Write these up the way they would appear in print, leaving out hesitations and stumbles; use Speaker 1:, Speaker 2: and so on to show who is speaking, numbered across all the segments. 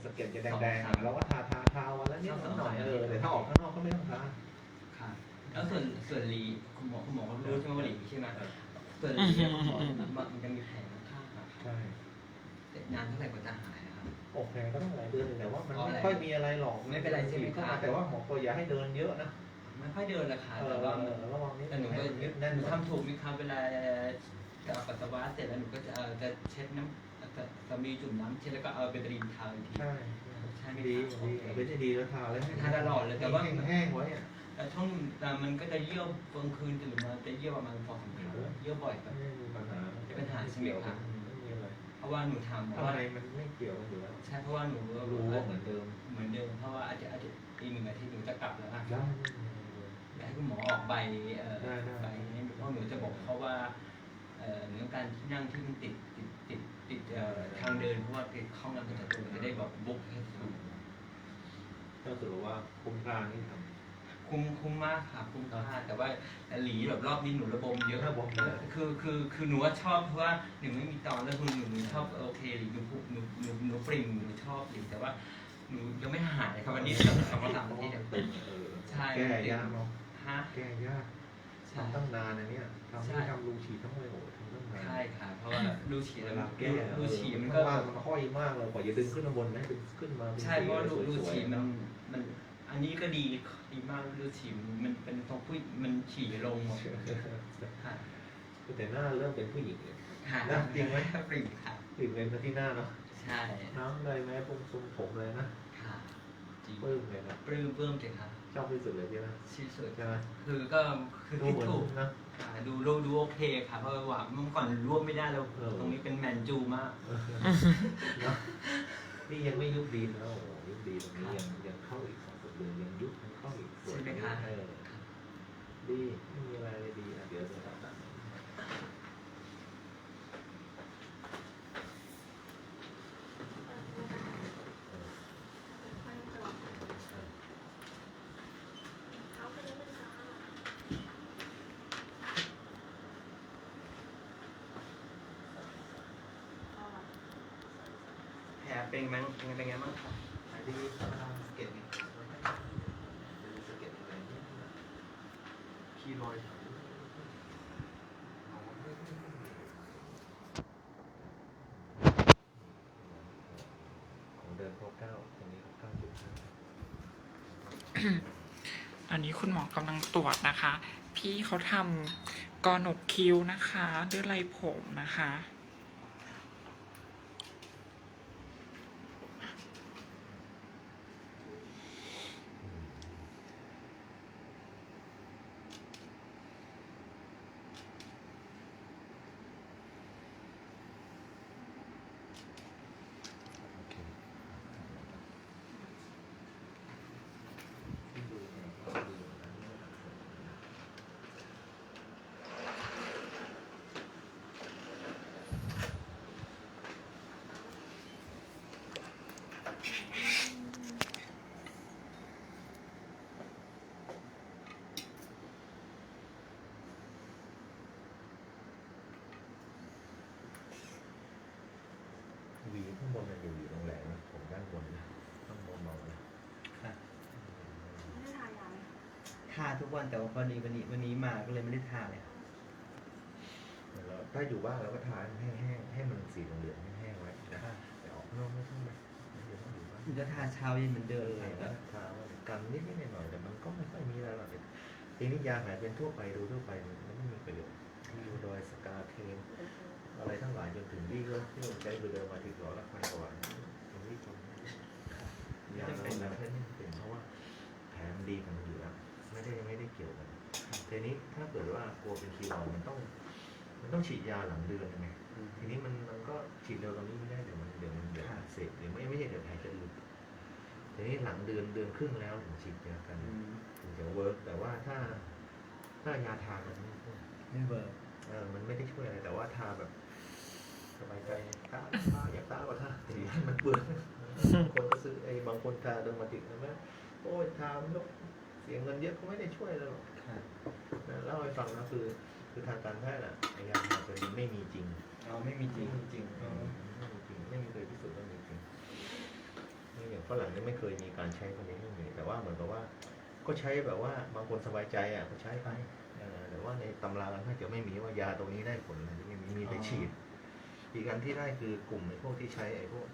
Speaker 1: สะเก็ดจะแดงๆเราก็ทาวันละนิดหน่อยแต่ถ้าออกข้างนอกก็ไม่ต้องทา
Speaker 2: ค่ะแล้วส่วนหลีคุณหมอก็รู้ใช่ไหมว่าหลีใช่ไหมส่วนหลีคุณหมอมันจะมีแผลข้างๆใช่นานเท่าไหร่กว่าจะหายนะครับ
Speaker 1: โอเคก็ต้องหลายเดือนแต่ว่ามันไม่ค่อยมีอะไรหรอก
Speaker 2: ไม่เป็นไรใช่ไหมครับ
Speaker 1: แต่ว่าหมอก็อย่าให้เดินเยอะนะ
Speaker 2: ไม่ค่อยเดินละค่ะแต่ว่าหนูก็หนูทำถูกไหมครับเวลาจะปัสสาวะเสร็จแล้วหนูก็จะเช็ดน้ำจะมีจุ่มน้ำเช็ดแล้วก็เอาเบตาดีนทาอีกที
Speaker 1: ใช่ไม่ดีเป็นจะดีแล้วทาเลย
Speaker 2: ทาตลอดเลยแต่ว่า
Speaker 1: แห้งไว้อะ
Speaker 2: แต่ช่วงมันก็จะเยี่ยวกลางคืนตื่นมาจะเยี่ยวประมาณ2-3 ครั้งเยี่ยวบ่อยแบบจะเป็นปัญหาใช่ไหมครับเพราะว่าหนูทำ
Speaker 1: อะไรมันไม่เกี่ยวกันอยู่แล้ว
Speaker 2: ใช่เพราะว่าหนู
Speaker 1: รู้ว่าเหมือนเดิม
Speaker 2: เพราะว่าอาจจะอีก1 อาทิตย์หนูจะกลับแล้วนะให้คุณหมอออกใบนี้เพราะหนูจะบอกเขาว่าเรื่องการที่นั่งที่มันติดทางเดินเพราะว่าติดห้องน้ำประจำตัวจะได้แบบบุ๊กให้ถูก
Speaker 1: ก็ถือว่าคุ้มค่าที่ทำ
Speaker 2: คุ้มมากค่ะคุ้มค่าแต่ว่าหลีแบบรอบนี้หนูระบมเยอะคือหนูว่าชอบเพราะว่าหนูไม่มีตอนแล้วหนูชอบโอเคหลีหนูปริ่มหนูชอบหลีแต่ว่าหนูยังไม่หายครับวันนี้2-3 อาทิตย์ใช่
Speaker 1: แก้ยากเนาะ
Speaker 2: ฮะ
Speaker 1: แก้ยากทำตั้งนานนะเนี่ยทำรูฉีดต้องเลยโอ้ทำตั้งนาน
Speaker 2: ใช่ค่ะเพราะว่ารูฉีด
Speaker 1: แล้วแก้
Speaker 2: รูฉีดมัน
Speaker 1: ก็มันค่อยมากเลยกว่าจะดึงขึ้นมาบนนะดึงขึ้นมา
Speaker 2: ใช่เพราะรูฉีดมันอันนี้ก็ดีมากรูฉีดมันเป็นตรงผู้มันฉี่ลงหมดค่ะ
Speaker 1: แต่หน้าเริ่มเป็นผู้หญิงเลย
Speaker 2: นะ
Speaker 1: จริงไหม
Speaker 2: ปริ่มค่ะ
Speaker 1: ปริ่มเป็นที่หน้าเนาะ
Speaker 2: ใช่
Speaker 1: น้ำเลยไหมผมเลยนะ
Speaker 2: ค่ะจริง
Speaker 1: ปลื้มเลยนะ
Speaker 2: ปลื้มจริงครับ
Speaker 1: ชอบที่สุดเลยใช่ไหม
Speaker 2: ที่สุด
Speaker 1: ใช่ไหม
Speaker 2: คือที่ถูก
Speaker 1: นะ
Speaker 2: ดูโอเคค่ะเพราะว่าเมื่อก่อนรวบไม่ได้แล้วตรงนี้เป็นแมนจูมาก
Speaker 1: นี่ยังไม่ยุบดีนะโอ้ยุบดีตรงนี้ยังเข้าอีก2 เดือนยังยุบเข้าอีก
Speaker 2: ใช่ไหมคะ
Speaker 1: ดีไม่มีอะไรเลยดีเดี๋ยวจะตัด
Speaker 2: แผลเป็นไงบ้างครับ
Speaker 1: ดีสเก็ตนี่สเก็ตอะไรเนี่ยคีรอยของเดิน9ตรงนี้9.5
Speaker 3: อันนี้คุณหมอกำลังตรวจนะคะ พี่เขาทำกอหนกคิ้วนะคะด้วยไรผมนะคะ
Speaker 1: วีข้างบนมันอยู่ตรงแหลมผมด้านบนข้างบนมองนะ
Speaker 2: ค่ะทาทุกวันแต่ว่าวันนี้มาก็เลยไม่ได้ทาเลย
Speaker 1: ถ้าอยู่บ้านเราก็ทาแห้งให้มันสีเหลืองแห้งไว้นะแต่ออกนอกไม่ต้องแบบ
Speaker 2: จะทาเช้าเย็นเหมือนเดิมเลยนะ
Speaker 1: ทากันนิดหน่อยแต่มันก็ไม่ค่อยมีอะไรหรอกทีนี้ยาหายเป็นทั่วไปดูทั่วไปมันไม่มีประโยชน์ดูโดยสกาเทนอะไรทั้งหลายจนถึงที่เราใช้เดิมมาถึงหลอดละ1,000 กว่าตรงนี้ตรงยาเป็นแล้วแค่นี้เป็นเพราะว่าแผลมันดีของมันอยู่แล้วไม่ได้เกี่ยวกันทีนี้ถ้าเกิดว่ากลัวเป็นคีรอยมันต้องฉีดยาหลังเดือนไงทีนี้มันก็ฉีดเร็วตรงนี้ไม่ได้เดี๋ยวมันเสพหรือไม่ใช่เดี๋ยวแผลจะหลุดทีนี้หลังเดือนครึ่งแล้วถึงฉีดยากันถึงจะเวิร์กแต่ว่าถ้ายาทามัน
Speaker 2: ไม่เวิร์ก
Speaker 1: มันไม่ได้ช่วยอะไรแต่ว่าทาแบบสบายใจทาอยากทาก็ทาแต่ให้มันเบื่อบางคนก็ซื้อบางคนทาเดิมมาติดนะว่าโอ้ยทามันเสียเงินเยอะก็ไม่ได้ช่วยเราหรอกเล่าให้ฟังนะคือทางการแพทย์ยาทาตัวนี้ไม่มีจริง
Speaker 2: ไม่มีจริง
Speaker 1: ไม่มีเคยพิสูจน์ว่ามีจริงฝรั่งนี่ไม่เคยมีการใช้คนนี้ไม่มีแต่ว่าเหมือนกับว่าก็ใช้แบบว่าบางคนสบายใจอ่ะก็ใช้ไปแต่ว่าในตำราการแพทย์จะไม่มีว่ายาตรงนี้ได้ผลอะไรไม่มีแต่ฉีดอีกอันที่ได้คือกลุ่มไอ้พวกที่ใช้ไอ้พวก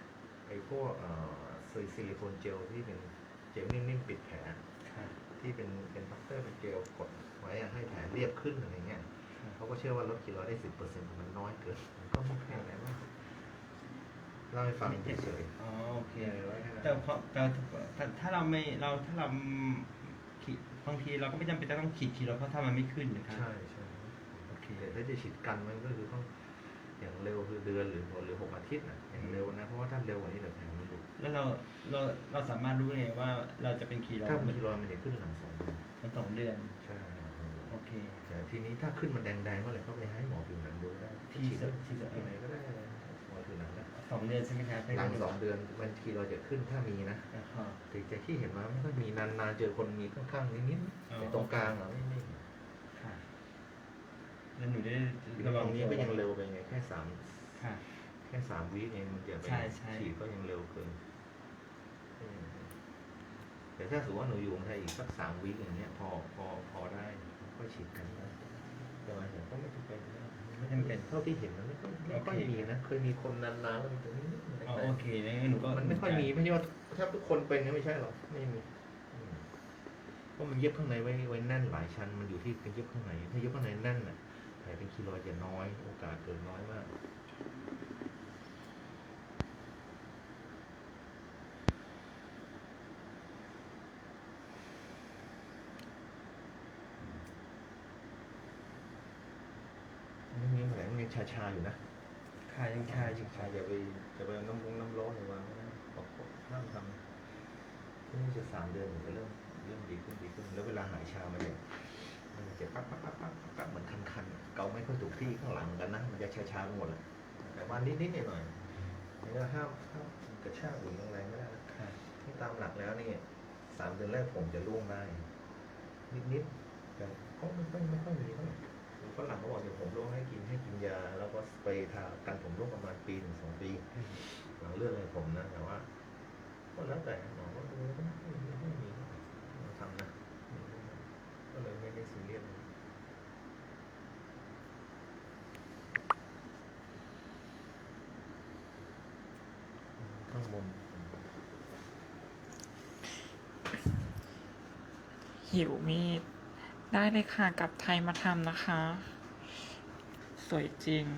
Speaker 1: ซิลิโคนเจลที่เป็นเจลนิ่มๆปิดแผล
Speaker 2: ค่ะ
Speaker 1: ที่เป็นพัตเตอร์เป็นเจลกดไว้ให้แผลเรียบขึ้นอะไรเงี้ยเขาก็เชื่อว่าลดคีโลได้ 10%มันน้อยเกินมันก็ไม่แพงอะไรมากเล่าให้ฟังเฉย
Speaker 2: อ๋อโอเค
Speaker 1: ๆไว้แค่นั้น
Speaker 2: แต่พอถ้าเราไม่ถ้าเราขีดบางทีเราก็ไม่จำเป็นจะต้องขีดทีเราเพราะถ้ามันไม่ขึ้นนะครับ
Speaker 1: ใช่โอเคแต่ถ้าจะฉีดกันมันก็คือต้องอย่างเร็วคือเดือนหรือ6 อาทิตย์นะอย่างเร็วนะเพราะว่าถ้าเร็วกว่านี้เดี๋ยวแผลมันหลุด
Speaker 2: แล้วเราสามารถรู้ไงว่าเราจะเป็นคีโล
Speaker 1: ถ้ามันคีโลมันจะขึ้นหลัง2 เดือน
Speaker 2: มัน2 เดือน
Speaker 1: ใช่
Speaker 2: โอเค
Speaker 1: แต่ทีนี้ถ้าขึ้นมันแดงๆเมื่อไหร่ก็ไปให้หมอผิวหนังดูได้
Speaker 2: ที่
Speaker 1: ไหนก็ได้หมอผิวหนังนะ
Speaker 2: 2 เดือนใช่ไหมครับ
Speaker 1: หลัง2 เดือนบางทีเราจะขึ้นถ้ามีนะ
Speaker 2: นะครับ
Speaker 1: แต่จากที่เห็นมาไม่ค่อยมีนานๆเจอคนมีข้างๆนิด
Speaker 2: อ๋อ
Speaker 1: ๆในตรงกลางอ่ะไม่
Speaker 2: ค่ะแล้วหนูได้
Speaker 1: ระ
Speaker 2: ระ
Speaker 1: ห
Speaker 2: วั
Speaker 1: ว่าง งนี้
Speaker 2: นี้
Speaker 1: ก็ยังเร็วไปไงแค่
Speaker 2: ค่ะ
Speaker 1: 3 วิเองมันจะไป
Speaker 2: ใช่ใช่
Speaker 1: ฉีดก็ยังเร็วเกินแต่ถ้าสมมติว่าหนูอยู่เมืองไทยอีกสัก3 วิอย่างเงี้ยพอได้ก็ฉีดกันนะแต่ว่าก็ไม่จำเป็นนะ
Speaker 2: ไม่จำเป็น
Speaker 1: เท่าที่เห็นมันไม่ค่อยมีนะเคยมีคนนานๆแล้วมันจะนิดๆ
Speaker 2: อ๋อโอเคงั้นหนูก็
Speaker 1: มันไม่ค่อยมีไม่ใช่ว่าแทบทุกคนเป็นนะไม่ใช่หรอกไม่มีเพราะมันเย็บข้างในไว้แน่นหลายชั้นมันอยู่ที่การเย็บข้างในถ้าเย็บข้างในแน่นน่ะแผลเป็นคีโลจะน้อยโอกาสเกิดน้อยมากมันยังแผลมันยังชาๆอยู่นะ
Speaker 2: ค่ะยังชาอยู่
Speaker 1: ชาอย่าไปน้ำร้อนหรือวางไว้นะบอกห้ามทำที่นี่จะ3 เดือนถึงจะเริ่มดีขึ้นแล้วเวลาหายชามันจะปั๊บเหมือนคันๆเกาไม่ค่อยถูกที่ข้างหลังกันนะมันจะชาๆไปหมดเลยแต่ว่านิดๆหน่อยๆนี่ก็ห้ามกระชากหุ่นแรงๆไม่ได้นะ
Speaker 2: ค่ะ
Speaker 1: ที่ตามหลักแล้วนี่3 เดือนแรกผมจะร่วงได้นิดๆแต่ก็ไม่ค่อยมีเท่าไหร่ฝรั่งเขาบอกเดี๋ยวผมร่วงให้กินยาแล้วก็สเปรย์ทากันผมร่วงประมาณ1 ถึง 2 ปีหลังเรื่องอะไรผมนะแต่ว่าก็แล้วแต่หมอก็ดูแล้วก็ไม่มีเราทำนะก็เลยไม่ได้ซีเรียสข้างบน
Speaker 3: หิวมีดได้เลยค่ะกลับไทยมาทำนะคะ สวยจริง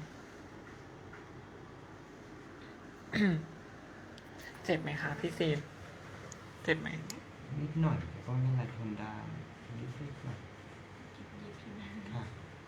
Speaker 3: เจ็บไหมคะพี่ซีนเจ็บไหม
Speaker 2: นิดหน่อยแต่ก็ไม่เป็นไรทนได้นิดหน่อยค่ะ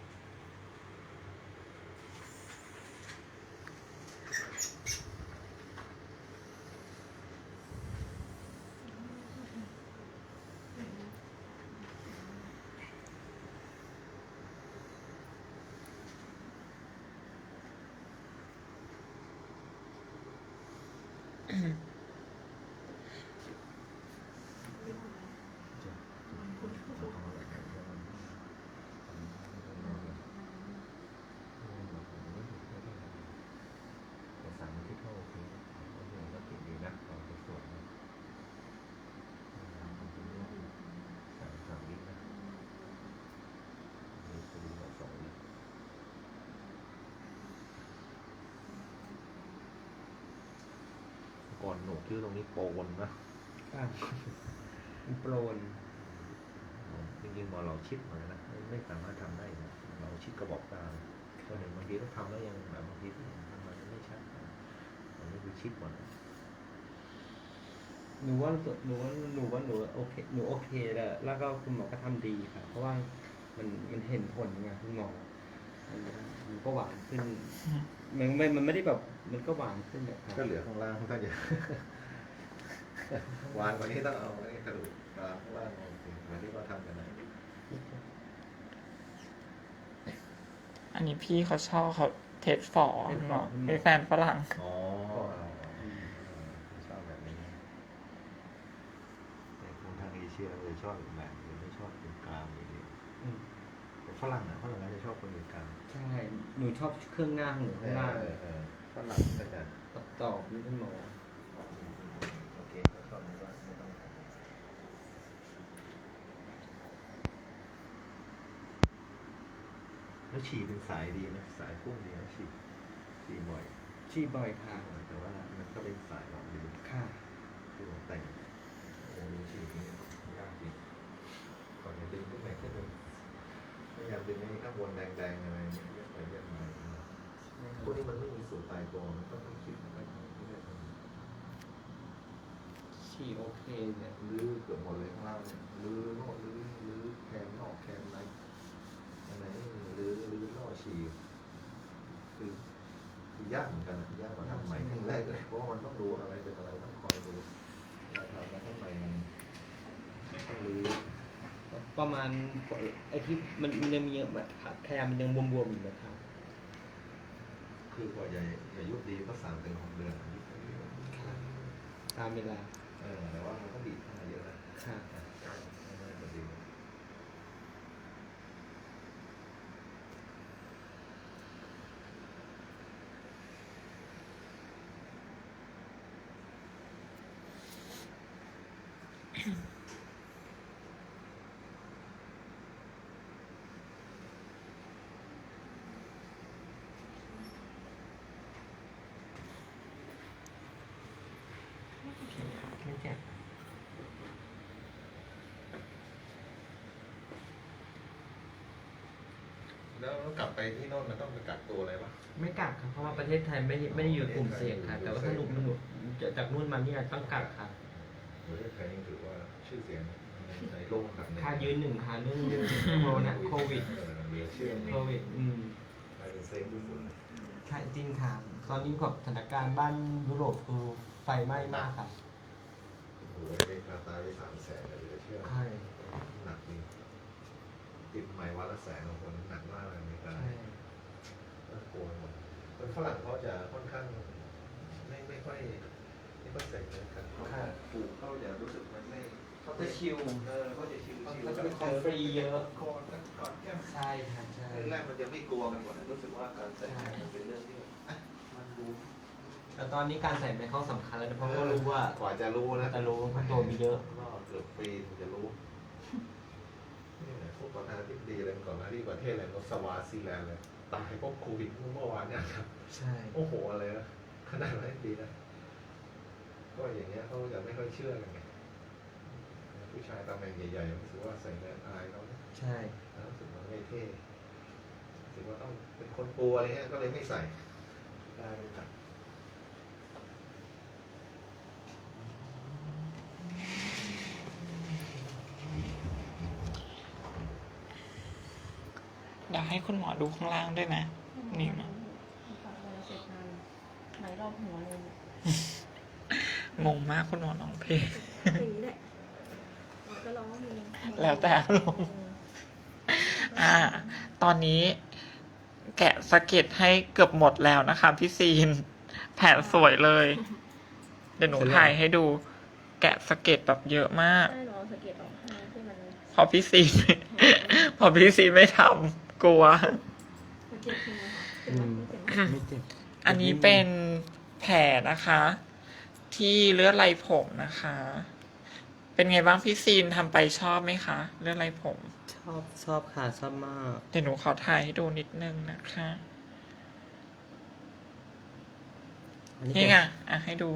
Speaker 1: ก่อนโหนกคิ้วตรงนี้โปนนะ
Speaker 2: ค่ะมันโปรน
Speaker 1: จริงๆหมอเราชิดมานะไม่สามารถทำได้นะเราชิดกระบอกตาก็เห็นบางทีต้องทำแล้วยังแบบบางทีที่ทำมันไม่ชัดอันนี้คือชิดหมด
Speaker 2: หนูว่าหนูโอเคหนูโอเคแล้วก็คุณหมอก็ทำดีค่ะ เพราะว่ามันเห็นผลไงคุณหมอมันก็หวานขึ้น มันไม่ได้แบบมันก็หวานขึ้นแบบ
Speaker 1: ก็เหลือข้างล่างต้องจะวานกว่านี้ต้องเอาไอ้กระดูกข้างล่างออกสิเหมือนที่เขาทำกันนะ
Speaker 3: อันนี้พี่เขาชอบเขาเทสฝอเป็นแฟนฝรั่ง
Speaker 1: อ๋อชอบแบบนี้แต่คนทางเอเชียเลยชอบอีกแบบหรือไม่ชอบเป็นกลางอย่างนี้แต่ฝรั่งเขาจะชอบคนเป็นกลาง
Speaker 2: ใช่หนูชอบเครื่องหน้าของหนูข้างล่าง
Speaker 1: ฝรั่งก็จะ
Speaker 2: ตอบนี่คุณหมอ
Speaker 1: โอเคแล้วฉี่เป็นสายดีนะสายพุ่งดีนะฉี่บ่อย
Speaker 2: ฉี่บ่อยค่ะ
Speaker 1: แต่ว่ามันก็เป็นสายหลอกดี
Speaker 2: ค่ะ
Speaker 1: คือผมแต่งโอ้โหฉี่นี่ยากจริงก่อนจะดึงขึ้นไปขึ้นไปพยายามดึงให้ข้างบนแดงๆอะไรเนี่ยเยอะไปเยอะมาพวกนี้มันไม่มีสูตรตายตัวมันก็ต้องคิดมันไม่ได้
Speaker 2: ฉี่โอเคเนี่ย
Speaker 1: ลื้อเกือบหมดเลยข้างล่างเนี่ยลื้อโน่นลื้อแคมนอกแคมในอะไรนี่ลื้อนอกฉี่คือยากเหมือนกันนะยากกว่าทำใหม่ครั้งแรกเลยเพราะว่ามันต้องดูอะไรเป็นอะไรต้องคอยดูเราทำมาข้างในมันต้องลื้อ
Speaker 2: ประมาณไอ้ที่มันยังมีแบบแคมมันยังบวมๆอยู่นะครับ
Speaker 1: คือกว่าจะยุบดีก็3 ถึง 6 เดือนยุบไปเรื่อย
Speaker 2: ตามเวลา
Speaker 1: แต่ว่ามันก็บีบเข้ามาเยอะนะ
Speaker 2: ค่ะ
Speaker 1: ไม่ได้ดี
Speaker 2: ไม่เจ็บ
Speaker 1: แล้วกลับไปที่โน่นมันต้องไปกักตัวอะไรปะ
Speaker 2: ไม่กักครับเพราะว่าประเทศไทยไม่ได้อยู่ในกลุ่มเสี่ยงค่ะ แต่ว่าถ้าหนุ่มจากนู่นมาเนี่ยต้องกักค่ะ
Speaker 1: ประเทศไทยยังถือว่าชื่อเสียงในโลกแบบนี้
Speaker 2: ค่ายืนหนึ่งค่ะเรื่องโควิด
Speaker 1: เหลือเชื่อ
Speaker 2: โควิด
Speaker 1: กลายเป็นเซฟทุกคน
Speaker 2: ใช่จริงค่ะ ตอนนี้กับสถานการณ์บ้านยุโรปคือไฟไหม้มากค่ะ
Speaker 1: โอ้โหไปคาตาไป300,000เลยเหลือเชื่อ
Speaker 2: ใช่
Speaker 1: หนักจริงติดใหม่วันละ100,000ของคนหนักมากเลยอเมริกา
Speaker 2: ใช่
Speaker 1: น่ากลัวหมดคนฝรั่งเขาจะค่อนข้างไม่ค่อยใส่ใจกันเขาปลูกเขาจะรู้สึกมันไม่เขาจะชิลเขาจะชิล
Speaker 2: เขาจะเป็นคนฟรีเยอะ
Speaker 1: คอนกอดแก้ม
Speaker 2: ใช่ค่ะใช่
Speaker 1: แรกมันจะไม่กลัวกันหมดรู้สึกว่าการแต่งงานมันเป็นเรื่องที่มันดู
Speaker 2: แต่ตอนนี้การใส่แมสเขาสำคัญแล้วนะเพราะว่ารู้ว่าก
Speaker 1: ว่าจะรู้นะ
Speaker 2: จะรู้ว่าตัวมีเยอะ
Speaker 1: ก็เกือบปีถึงจะรู้นี่แหละพวกประธานาธิบดีอะไรก่อนหน้าที่ประเทศอะไรก็สวาซีแลนด์เลยตายเพราะโควิดเมื่อวานเนี่ยครับ
Speaker 2: ใช่
Speaker 1: โอ้โหอะไรนะขนาดนั้นดีนะก็อย่างเงี้ยเขาจะไม่ค่อยเชื่อกันไงผู้ชายตำแหน่งใหญ่ๆรู้สึกว่าใส่แมสอายเขา
Speaker 2: ใช่
Speaker 1: รู้สึกมันไม่เท่รู้สึกว่าต้องเป็นคนกลัวอะไรเงี้ยก็เลยไม่ใส่ได้เลยครับ
Speaker 3: เดี๋ยวให้คุณหมอดูข้างล่างด้วยนะ นี่นะ
Speaker 4: เสร็จงานไหมรอบหัวเลย
Speaker 3: งงมากคุณหมอร้องเพลง
Speaker 4: อย่างนี้แหละก็ร้องเพลง
Speaker 3: แล้วแต่อารมณ์ ตอนนี้แกะสเก็ตให้เกือบหมดแล้วนะคะพี่ซีน แผนสวยเลย เดี๋ยวหนูถ่ายให้ดู แกะสเก็ตแบบเยอะมาก
Speaker 4: ใช่หรอสะเก็ตออกให้ที่มัน
Speaker 3: พอพี่ซีน พอพี่ซีนไม่ทำกลัว
Speaker 4: สะเก็ตคือไงคะเจ็บไหมเจ็บไหม
Speaker 2: ไม่เจ็บ
Speaker 3: อันนี้เป็นแผลนะคะ ที่เลือดไหลผมนะคะ เป็นไงบ้างพี่ซีนทำไปชอบไหมคะเลือดไหลผม
Speaker 2: ชอบค่ะชอบมาก
Speaker 3: เดี๋ยวหนูขอถ่ายให้ดูนิดนึงนะคะ นี่ไงให้ดู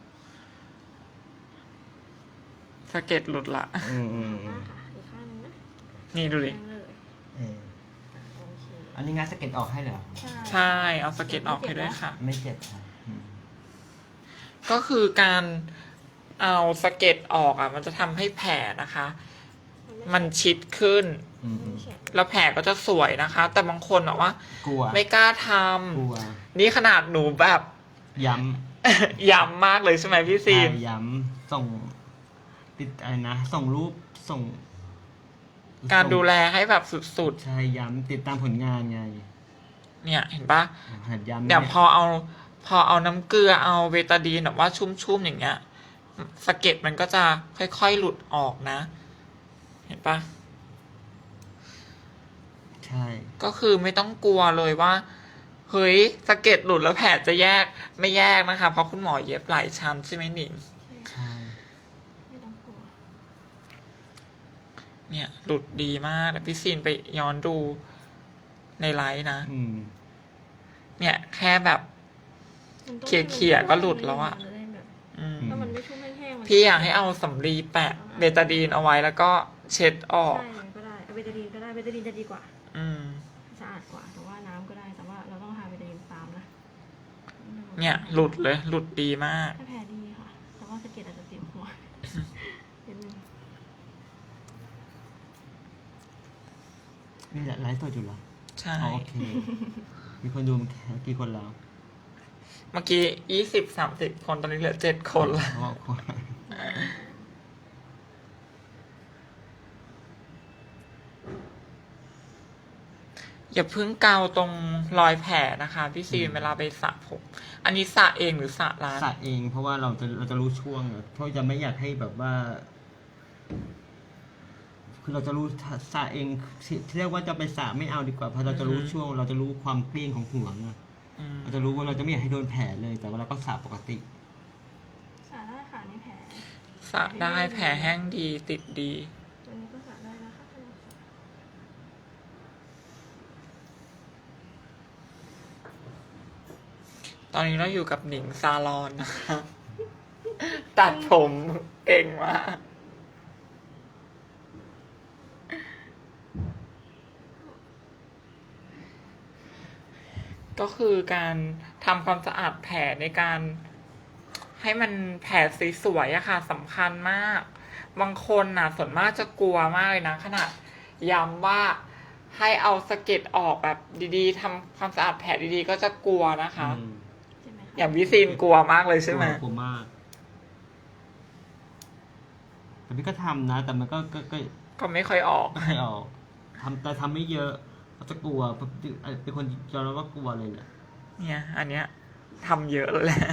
Speaker 3: สะเก็ตหลุดละ
Speaker 2: อืม
Speaker 4: หน้าค่ะอีกข้างนึงนะ
Speaker 3: นี่ดูดิ
Speaker 4: แรงเลยโอเค
Speaker 2: อันนี้งานสเก็ตออกให้เหรอ
Speaker 3: ใช่ เอาสะเก็ตออกให้ด้วยค่ะ
Speaker 2: ไม่เจ็บค่ะ
Speaker 3: ก็คือการเอาสะเก็ตออกอ่ะ มันจะทำให้แผลนะคะ มันชิดขึ้น แล้วแผลก็จะสวยนะคะ แต่บางคนบอกว่า
Speaker 2: กลัว
Speaker 3: ไม่กล้าท
Speaker 2: กลัว
Speaker 3: ำนี่ขนาดหนูแบบ
Speaker 2: ย้
Speaker 3: ย้ำมากเลยใช่ไหมพี่
Speaker 2: ำ
Speaker 3: ซีน
Speaker 2: ย้ำส่งติดอะไรนะ ส่งรูปส่ง
Speaker 3: การดูแลให้แบบสุด
Speaker 2: ใช่ย้ำติดตามผลงานไง
Speaker 3: ๆ เนี่ยเห็นปะ
Speaker 2: หัดย้ำ
Speaker 3: เดี๋ยวพอเอาน้ำเกลือเอาเบตาดีนแบบว่าชุ่มๆอย่างเงี้ยสะเก็ดมันก็จะค่อยๆหลุดออกนะ เห็นปะ
Speaker 2: ใช่
Speaker 3: ก็คือไม่ต้องกลัวเลยว่าเฮ้ยสะเก็ดหลุดแล้วแผลจะแยกไม่แยกนะคะ เพราะคุณหมอเย็บหลายชั้นใช่ไหมหนิง
Speaker 2: ใช่
Speaker 4: ไม่ต้องกลัว
Speaker 3: เนี่ยหลุดดีมากแต่พี่ซีนไปย้อนดูในไลฟ์นะ
Speaker 2: อืม
Speaker 3: เนี่ยแค่แบบ
Speaker 4: มันต้อง
Speaker 3: เขี่ยๆก็หลุดแล้วอะ
Speaker 4: มันจได้แบบ
Speaker 3: อืม
Speaker 4: ถ้ามันไม่ชุ่มแห้งๆมัน
Speaker 3: พี่อยากให้เอาสำลีแปะเบตาดีนเอาไว้แล้วก็เช็ดออก
Speaker 4: ใช่มันก็ได้เอาเบตาดีนก็ได้เบตาดีนจะดีกว่า
Speaker 3: อืม
Speaker 4: สะอาดกว่า แต่ว่าน้ำก็ได้ แต่ว่าเราต้องทาเบตาดีนตามนะ
Speaker 3: เนี่ยหลุดเลย หลุดดีมาก
Speaker 4: ถ้าแผลดีค่ะ แต่ว่าสะเก็ดอาจจะเจ็บหัวนิดนึง
Speaker 2: นี่แหละไลฟ์สดอยู่เหรอ
Speaker 3: ใช่
Speaker 2: อ๋อโอเค มีคนดูกี่คนแล้ว
Speaker 3: เมื่อกี้20-30 คนตอนนี้เหลือ7 คนละ
Speaker 2: อ๋อคน
Speaker 3: อย่าเพิ่งเกาตรงรอยแผลนะคะพี่ซีนเวลาไปสระผม อันนี้สระเองหรือสระร้าน
Speaker 2: สระเองเพราะว่าเราจะรู้ช่วงอะเพราะจะไม่อยากให้แบบว่า คือเราจะรู้สระเองที่เรียกว่าจะไปสระไม่เอาดีกว่าเพราะเราจะรู้ช่วง เราจะรู้ความเกลี้ยงของหัวไง
Speaker 3: อืม
Speaker 2: เราจะรู้ว่าเราจะไม่อยากให้โดนแผลเลย แต่ว่าเราก็สระปกติ
Speaker 4: สระได้ค่ะในแผล
Speaker 3: สระได้แผลแห้งดีติดดี
Speaker 4: ตัวนี้ก็สระได้นะคะ
Speaker 3: ตอนนี้เราอยู่กับหนิงซาลอนนะคะ ตัดผมเก่งมาก ก็คือการทำความสะอาดแผลในการให้มันแผลสวยๆอะค่ะสำคัญมาก บางคนน่ะส่วนมากจะกลัวมากเลยนะขนาดย้ำว่าให้เอาสะเก็ดออกแบบดีๆทำความสะอาดแผลดีๆ ก็จะกลัวนะคะ
Speaker 4: ใช่ไหมคะ
Speaker 3: อย่างวิซีนกลัวมากเลยใช่ไหม
Speaker 2: กลัวมาก แต่พี่ก็ทำนะ แต่มันก็
Speaker 3: ก็ไม่ค่อยออก
Speaker 2: ไม่ออกแต่ทำไม่เยอะเขาจะกลัวเป็นคนยอมรับว่ากลัวเลยแหละ
Speaker 3: เนี่ย อันเนี้ยทำเยอะแล้วแหละ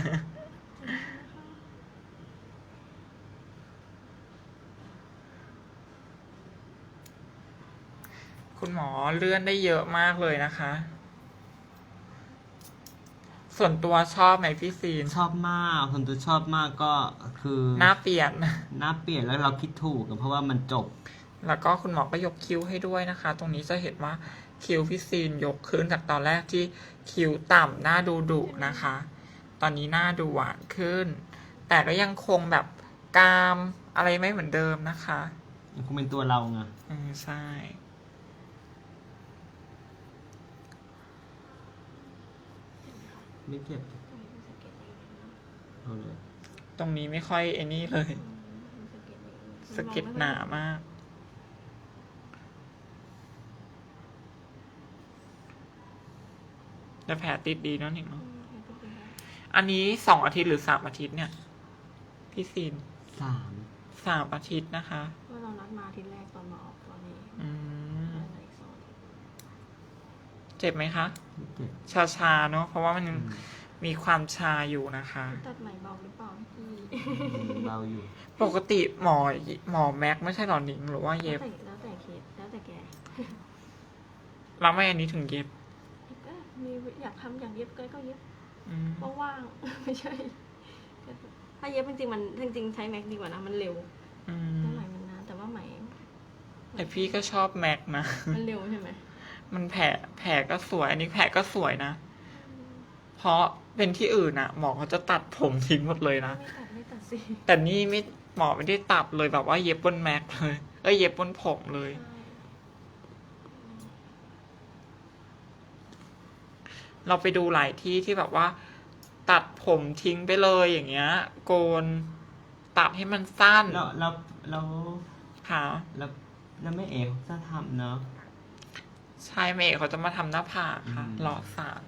Speaker 3: คุณหมอเลื่อนได้เยอะมากเลยนะคะ ส่วนตัวชอบไหมพี่ซีน
Speaker 2: ชอบมากคนตัวชอบมากก็คือ
Speaker 3: หน้าเปลี่ยน
Speaker 2: หน้าเปลี่ยนแล้วเราคิดถูกอะเพราะว่ามันจบ
Speaker 3: แล้วก็คุณหมอก็ยกคิ้วให้ด้วยนะคะ ตรงนี้จะเห็นว่าคิ้วพี่ซีนยกขึ้นจากตอนแรกที่คิ้วต่ำหน้าดูดุนะคะ ตอนนี้หน้าดูหวานขึ้น แต่ก็ยังคงแบบกรามอะไรไม่เหมือนเดิมนะคะ
Speaker 2: มันคงเป็นตัวเราไง
Speaker 3: ใช่
Speaker 2: ไม่เจ็บ
Speaker 4: ตรงนี้เป็นสะเก็ดนิดนึง
Speaker 2: เอาเลย
Speaker 3: ตรงนี้ไม่ค่อยไอ้นี่เลย
Speaker 4: เป็นสะเก็ดนิดนึง
Speaker 3: สะเก็ดหนามาก แต่แผลติดดีเนอะหนิงเนอะอันนี้2 อาทิตย์หรือ3 อาทิตย์เนี่ย พี่ซีน
Speaker 2: 3
Speaker 3: 3 อาทิตย์นะคะ
Speaker 4: เมื่อเรานัดมาอาทิตย์แรกตอนมาออกตอนนี้
Speaker 3: อืม
Speaker 4: อะไรอีก2 อาทิตย์
Speaker 3: เจ็บไหมคะ
Speaker 2: ไม่เจ็บ
Speaker 3: ชาๆเนอะเพราะว่ามันมีความชาอยู่นะคะ
Speaker 4: ตัดไหมเบาหรือเปล่าพี่
Speaker 2: เราอยู่
Speaker 3: ปกติหมอแม็กไม่ใช่หรอหนิงหรือว่าเย็บ
Speaker 4: แล้วแต่เคสแล้วแต่แก
Speaker 3: แล้วไม่อันนี้ถึงเย็บ
Speaker 4: ก็มีอยากทำอย่างเย็บก็เย็บ
Speaker 3: อืม
Speaker 4: ว่างๆ ไม่ใช่ ถ้าเย็บจริงๆมันจริงๆใช้แม็กดีกว่านะมันเร็ว
Speaker 3: อื
Speaker 4: แล้ว
Speaker 3: ม
Speaker 4: ไหมมันนานแต่ว่าไหม
Speaker 3: แต่พี่ก็ชอบแม็กนะ
Speaker 4: มันเร็วใช่ไหม
Speaker 3: มันแผลก็สวย อันนี้แผลก็สวยนะ เพราะเป็นที่อื่นอะหมอเขาจะตัดผมทิ้งหมดเลยนะ
Speaker 4: ไม่ตัดสิ
Speaker 3: แต่นี่ไม่หมอไม่ได้ตัดเลยแบบว่าเย็บบนแม็กเลยเย็บบนผมเลย เราไปดูหลายที่ที่แบบว่า ตัดผมทิ้งไปเลยอย่างเงี้ย โกน ตัดให้มันสั้น
Speaker 2: แล้ว
Speaker 3: ค่ะ
Speaker 2: แล้วไม่เอ๋จะทำเนาะ
Speaker 3: ใช่เมย์เขาจะมาทำหน้าผากค่ะ
Speaker 2: อืม
Speaker 3: หล่อสาร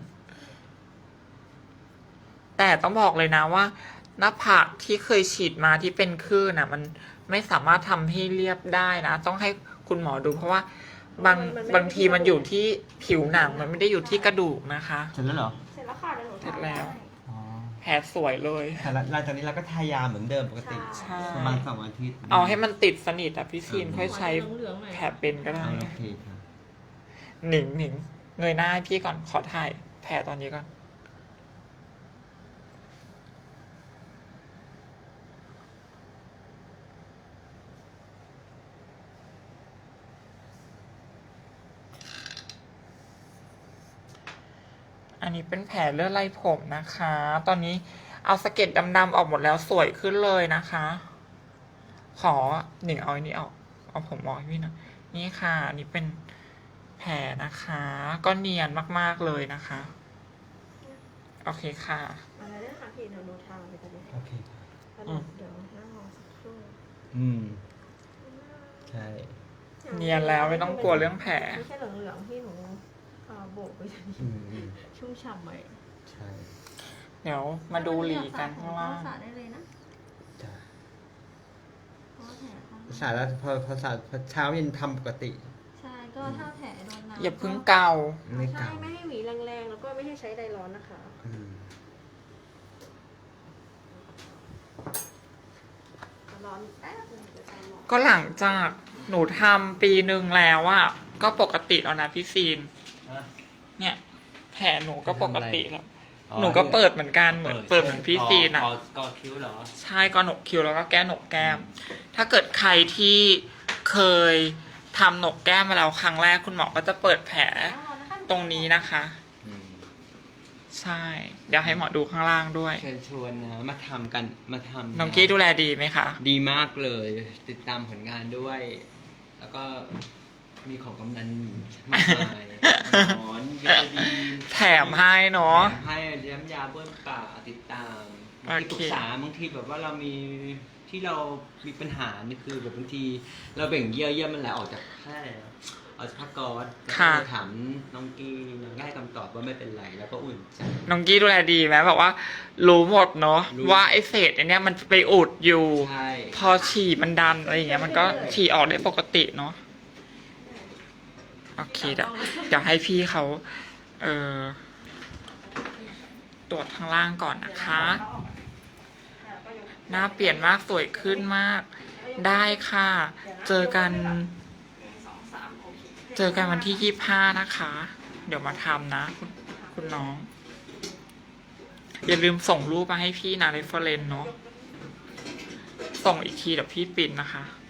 Speaker 3: แต่ต้องบอกเลยนะว่า หน้าผากที่เคยฉีดมาที่เป็นคลื่นอ่ะ มันไม่สามารถทำให้เรียบได้นะ ต้องให้คุณหมอดูเพราะว่าบางทีมันอยู่ที่ผิวหนังมันไม่ได้อยู่ที่กระดูกนะคะ
Speaker 2: เสร็จแล้วเหรอ
Speaker 4: เสร็จแล้วค่ะเดี๋ยวหนู
Speaker 3: เสร็จแล้ว
Speaker 4: ให้
Speaker 2: อ๋อ
Speaker 3: แผลสวยเลย
Speaker 2: แต่หลังจากนี้เราก็ทายาเหมือนเดิมปกติ
Speaker 3: ใช่
Speaker 2: ประมาณ2 อาทิตย์
Speaker 3: เอาให้มันติดสนิทอ่ะพี่ซีน
Speaker 2: อืม
Speaker 3: ค่อยใช้
Speaker 4: เหลืองๆหน่อย
Speaker 3: แผลเป็นก็ได้
Speaker 2: โอเคค่ะ
Speaker 3: หนิงเงยหน้าให้พี่ก่อนขอถ่ายแผลตอนนี้ก่อนอันนี้เป็นแผลเลือดไหลผมนะคะ ตอนนี้เอาสะเก็ดดำๆออกหมดแล้วสวยขึ้นเลยนะคะ ขอหนึ่งเอาอันนี้ออกเอาผมออกให้พี่หนะนี่ค่ะอันนี้เป็นแผลนะคะ ก็เนียนมากๆเลยนะคะ โอเคค่ะ
Speaker 4: อะไรเนี่ยค่ะพี่เดี๋ยวดูทางไปตอนนี้
Speaker 2: โอเค
Speaker 4: เดี๋ยวนั่งรอสักครู่
Speaker 2: ใช่
Speaker 3: เนียนแล้วไม่ต้องกลัวเรื่องแผล
Speaker 4: ไม่ใช่เหลืองๆที่หนูโบกไปตอนนี้ชุ่มฉ่ำไป
Speaker 2: ใช่
Speaker 3: เดี๋ยวมาดูหลีกันข้างล่าง
Speaker 4: สระได้เลยนะ
Speaker 2: จ้ะ
Speaker 4: เพราะว่าแผลเขา
Speaker 2: ภาษาแล้วพอเช้าเย็นทำปกติ
Speaker 4: ใช่ก็ถ้าแผลโดนน้ำ
Speaker 3: อย่าเพึ่งเกา
Speaker 2: ไม่
Speaker 4: ใช่
Speaker 2: เก่า
Speaker 4: ไม่ให้หวีแรงๆแล้วก็ไม่ให้ใช้ไดร้อนนะคะ
Speaker 2: อืม
Speaker 4: ร้อนแป๊บนึงเดี๋ยวจะร้อน
Speaker 3: ก็หลังจากหนูทำปีหนึ่งแล้วอะก็ปกติแล้วนะพี่ซีน เนี่ย แผลหนูก็ปกติแล้ว หนูก็เปิดเหมือนกันเหมือนเปิดเหมือนพี่ซีนอะ
Speaker 2: กอคิ้วเหรอ
Speaker 3: ใช่ก็หนกคิ้วแล้วก็แก้หนกแก้ม ถ้าเกิดใครที่เคยทำหนกแก้มมาแล้วครั้งแรกคุณหมอก็จะเปิดแผลตรงนี้นะคะ ใช่ เดี๋ยวให้หมอดูข้างล่างด้วย
Speaker 2: เชิญชวนนะมาทำกันมาทำ
Speaker 3: น้องกี้ดูแลดีไหมคะ
Speaker 2: ดีมากเลย ติดตามผลงานด้วย แล้วก็มีของกำนันมากมายหมอนวิตามิน
Speaker 3: แถมให้เนาะ
Speaker 2: แถมให้ย้ำยาเบิ้ลป่าติดตาม
Speaker 3: โอเค
Speaker 2: ที่ปรึกษาบางทีแบบว่าเรามีที่เรามีปัญหานี่คือแบบบางทีเราเบ่งเยื่อมันไหลออกจากแค่ออกจากผ้าก๊อซแล้วก็เลยถามน้องกี้น้องก็ให้คำตอบว่าไม่เป็นไรแล้วก็อุ่นใจ
Speaker 3: น้องกี้ดูแลดีไหมแบบว่า รู้หมดเนาะ
Speaker 2: รู้
Speaker 3: ว่าไอเศษไอเนี้ยมันไปอุดอยู่
Speaker 2: ใช่
Speaker 3: พอฉี่มันดันอะไรอย่างเงี้ยมันก็ฉี่ออกได้ปกติเนาะโอเคเดี๋ยวให้พี่เขาตรวจข้างล่างก่อนนะคะ หน้าเปลี่ยนมากสวยขึ้นมาก ได้ค่ะ เจอกันวันที่25นะคะ เดี๋ยวมาทำนะคุณน้อง อย่าลืมส่งรูปมาให้พี่นะเรฟเฟอเรนซ์เนาะส่งอีกทีเดี๋ยวพี่ปิ่นนะคะ